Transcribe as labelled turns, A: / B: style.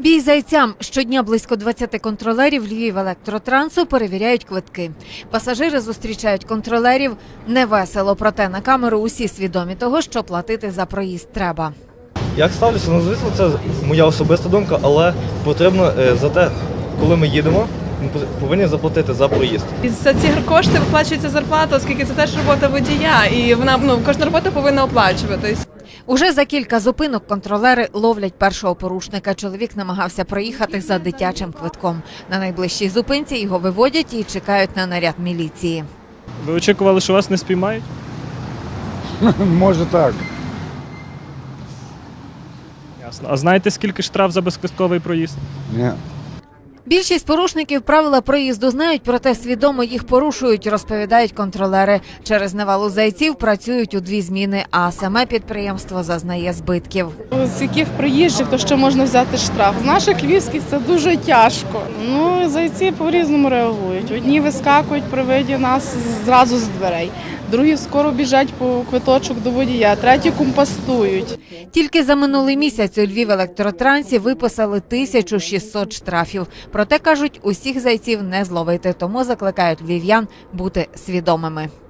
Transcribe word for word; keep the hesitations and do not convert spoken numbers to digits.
A: Бій зайцям. Щодня близько двадцяти контролерів Львівелектротрансу перевіряють квитки. Пасажири зустрічають контролерів невесело, проте на камеру усі свідомі того, що платити за проїзд треба.
B: Як ставлюся? Ну, звісно, це моя особиста думка, але потрібно за те, коли ми їдемо, ми повинні заплатити за проїзд.
C: І за ці кошти виплачується зарплата, оскільки це теж робота водія, і вона, ну, кожна робота повинна оплачуватись.
A: Уже за кілька зупинок контролери ловлять першого порушника. Чоловік намагався проїхати за дитячим квитком. На найближчій зупинці його виводять і чекають на наряд міліції.
D: Ви очікували, що вас не спіймають?
E: Може так.
D: Ясно. А знаєте, скільки штраф за безквитковий проїзд?
E: Ні.
A: Більшість порушників правила проїзду знають, проте свідомо їх порушують, розповідають контролери. Через навалу зайців працюють у дві зміни, а саме підприємство зазнає збитків.
F: З яких приїжджих, то що можна взяти штраф? З наших львівських це дуже тяжко. Ну, зайці по-різному реагують. Одні вискакують при виді нас зразу з дверей, другі скоро біжать по квиточок до водія, треті компостують.
A: Тільки за минулий місяць у Львівелектротрансі виписали тисячу шістсот штрафів. Проте, кажуть, усіх зайців не зловити, тому закликають львів'ян бути свідомими.